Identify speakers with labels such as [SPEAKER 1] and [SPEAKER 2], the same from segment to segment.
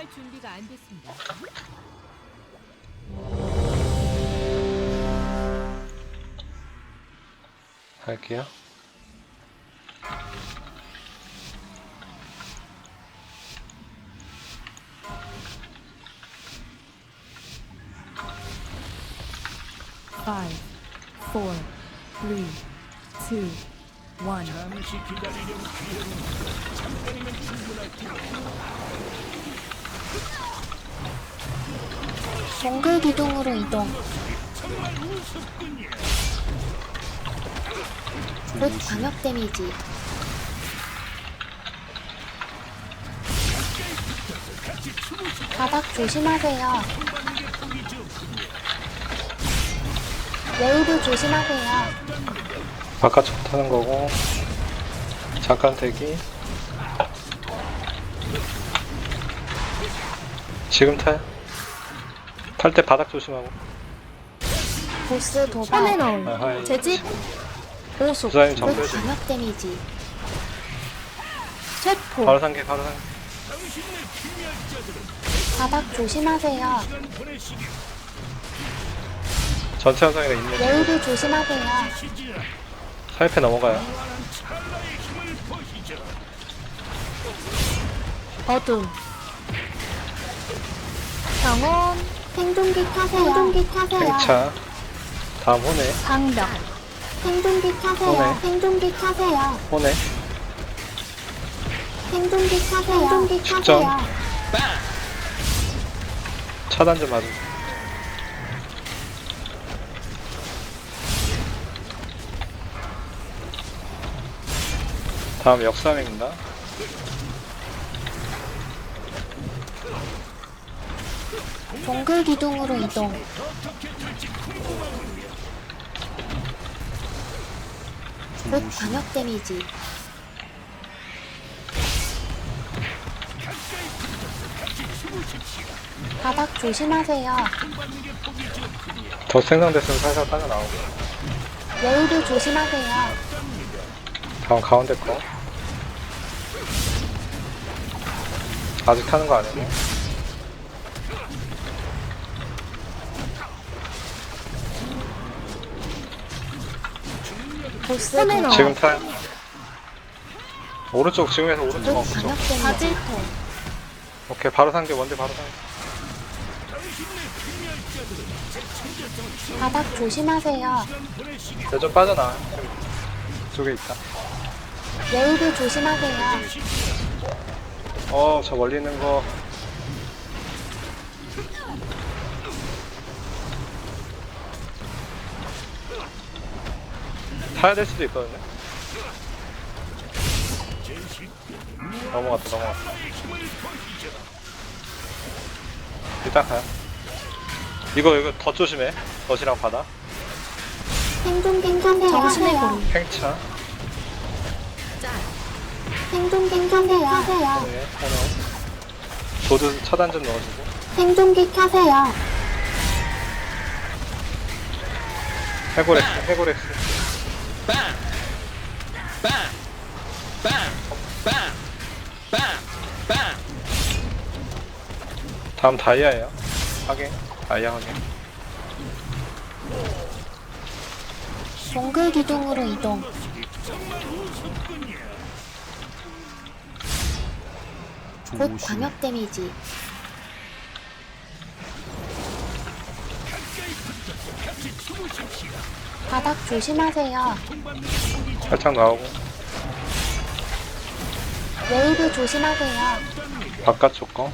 [SPEAKER 1] 할 준비가 안 됐습니다.
[SPEAKER 2] 할게요.
[SPEAKER 3] Five, four, three, two, one.
[SPEAKER 4] 잠시 기다리려고 기다리는 잠깐이면 충분할 테니
[SPEAKER 5] 동글 기둥으로 이동.
[SPEAKER 4] 정말 우습군요.
[SPEAKER 5] 곧 광역 데미지. 바닥 조심하세요. 웨이브 조심하세요.
[SPEAKER 2] 바깥쪽 타는 거고. 잠깐 대기. 지금 타요. 탈 때 바닥 조심하고.
[SPEAKER 5] 보스 도발.
[SPEAKER 2] 아하이.
[SPEAKER 5] 재집. 오속.
[SPEAKER 2] 부사님
[SPEAKER 5] 곧
[SPEAKER 2] 정표지.
[SPEAKER 5] 광역 데미지. 쇠포.
[SPEAKER 2] 바로 상계, 바로 상계.
[SPEAKER 5] 바닥 조심하세요.
[SPEAKER 2] 전체 현상이가 있네.
[SPEAKER 5] 웨이브 조심하세요.
[SPEAKER 2] 사이패 넘어가요.
[SPEAKER 5] 어둠. 병원. 생존기 타세요. 생존기 타세요.
[SPEAKER 2] 팽차. 다음 호네.
[SPEAKER 5] 방벽. 생존기 타세요.
[SPEAKER 2] 오네.
[SPEAKER 5] 생존기 타세요.
[SPEAKER 2] 호네.
[SPEAKER 5] 생존기 타세요. 생존기
[SPEAKER 2] 축전.
[SPEAKER 5] 타세요.
[SPEAKER 2] 차단 좀 맞으세요. 다음 역삼입니다.
[SPEAKER 5] 동글 기둥으로 이동. 곧 광역 데미지. 바닥 조심하세요.
[SPEAKER 2] 더 생성됐으면 살살 빠져나오고.
[SPEAKER 5] 웨이브 조심하세요.
[SPEAKER 2] 다음 가운데 거. 아직 타는 거 아니고.
[SPEAKER 5] 보스 도발.
[SPEAKER 2] 지금 타요. 오른쪽, 지금에서 오른쪽.
[SPEAKER 5] 곧
[SPEAKER 2] 그쪽.
[SPEAKER 5] 광역 데미지.
[SPEAKER 2] 오케이, 바로 상계, 원대 바로 상계.
[SPEAKER 5] 바닥 조심하세요.
[SPEAKER 2] 네, 좀 빠져나와요. 이쪽에 있다.
[SPEAKER 5] 웨이브 조심하세요.
[SPEAKER 2] 저 멀리 있는 거. 타야 될 수도 있거든요. 넘어갔다, 넘어갔다. 일단 가요. 이거 더 조심해. 덫이랑 바다.
[SPEAKER 5] 생존기 타세요. 정신의 고리.
[SPEAKER 2] 팽차.
[SPEAKER 5] 생존기 타세요.
[SPEAKER 2] 네, 하나. 조드 차단 좀 넣어주고.
[SPEAKER 5] 생존기 타세요.
[SPEAKER 2] 해고렉스, 해고렉스. 다음 다이아예요. 확인. 다이아 확인.
[SPEAKER 5] 동글 기둥으로 이동. 곧 광역 데미지. 바닥 조심하세요.
[SPEAKER 2] 살짝 나오고.
[SPEAKER 5] 웨이브 조심하세요.
[SPEAKER 2] 바깥쪽 거.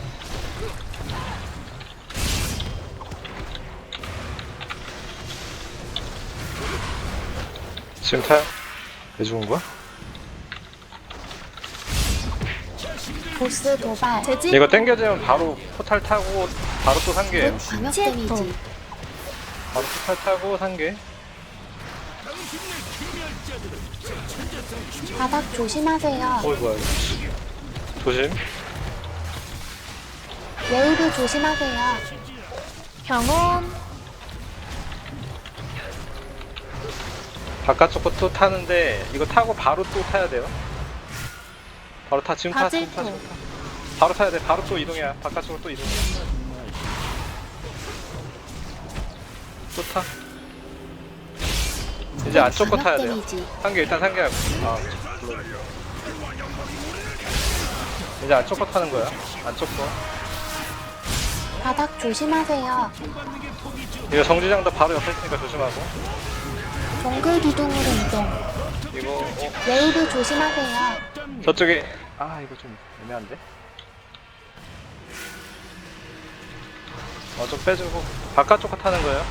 [SPEAKER 2] 지금 타요? 왜 죽은 거야?
[SPEAKER 5] 보스 도발. 재집.
[SPEAKER 2] 이거 땡겨지면 바로 포탈 타고 바로 또 상계예요.
[SPEAKER 5] 곧 광역 데미지.
[SPEAKER 2] 바로 포탈 타고 상계.
[SPEAKER 5] 바닥 조심하세요.
[SPEAKER 2] 뭐야 이거. 조심.
[SPEAKER 5] 웨이브 조심하세요. 병원.
[SPEAKER 2] 바깥쪽 거 또 타는데 이거 타고 바로 또 타야 돼요. 바로 타. 지금 타. 지금 타. 지금 타. 바로 타야 돼. 바로 또 이동해야. 바깥쪽으로 또 이동해. 또 타. 이제 안쪽 거 타야 돼요.
[SPEAKER 5] 데미지.
[SPEAKER 2] 상계 일단 상계하고. 아, 물론. 이제 안쪽 거 타는 거야. 안쪽 거.
[SPEAKER 5] 바닥 조심하세요.
[SPEAKER 2] 이거 정지장도 바로 옆에 있으니까 조심하고.
[SPEAKER 5] 동글 기둥으로 이동.
[SPEAKER 2] 이거
[SPEAKER 5] 웨이브 조심하세요.
[SPEAKER 2] 저쪽에 아 이거 좀 애매한데. 좀 빼주고 바깥쪽 거 타는 거예요.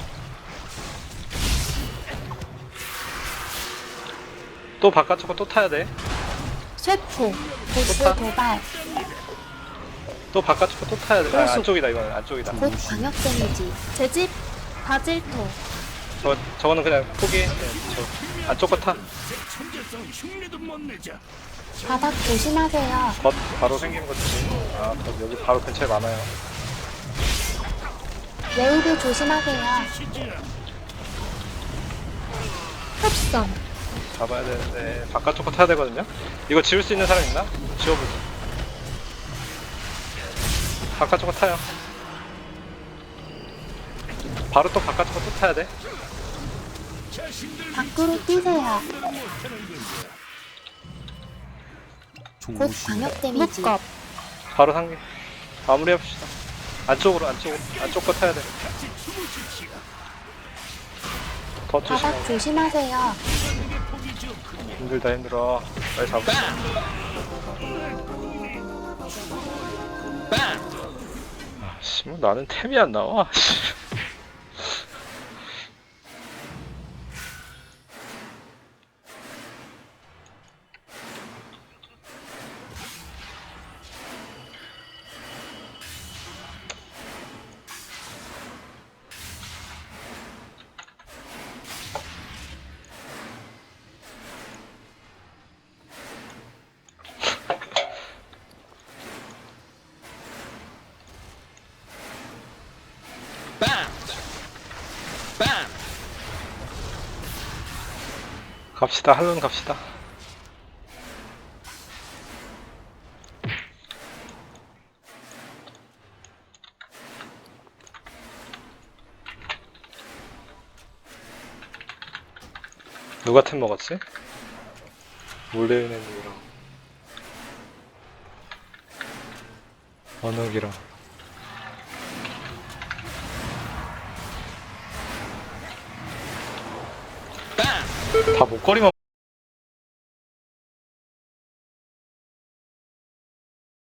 [SPEAKER 2] 또 바깥쪽 거 또 타야 돼.
[SPEAKER 5] 쇠포. 보스
[SPEAKER 2] 좋다.
[SPEAKER 5] 도발.
[SPEAKER 2] 또 바깥쪽 거 또 타야 돼. 아, 안쪽이다 이거는 안쪽이다.
[SPEAKER 5] 곧 광역 데미지. 제집. 바질토.
[SPEAKER 2] 저거는 그냥 포기. 네, 저 안쪽 거 타.
[SPEAKER 4] 천재성 흉내도 못 내자.
[SPEAKER 5] 바닥 조심하세요.
[SPEAKER 2] 겉 바로 생긴 거지. 아, 겉 여기 바로 근처에 많아요.
[SPEAKER 5] 웨이브 조심하세요. 흡선.
[SPEAKER 2] 잡아야 되는데 바깥쪽 거 타야 되거든요. 이거 지울 수 있는 사람 있나? 지워보자. 바깥쪽 거 타요. 바로 또 바깥쪽 거 또 타야 돼.
[SPEAKER 5] 밖으로 뛰세요. 곧 광역 데미지. 묶업.
[SPEAKER 2] 바로 상계. 마무리해봅시다. 안쪽 거 타야 돼. 더
[SPEAKER 5] 바닥
[SPEAKER 2] 조심하고.
[SPEAKER 5] 조심하세요.
[SPEAKER 2] 힘들어. 빨리 잡읍시다. 씨, 뭐 나는 템이 안 나와. 갑시다. 할론 갑시다. 누가 템 먹었지? 몰래 있는 누구랑 원욱이랑 다 목걸이만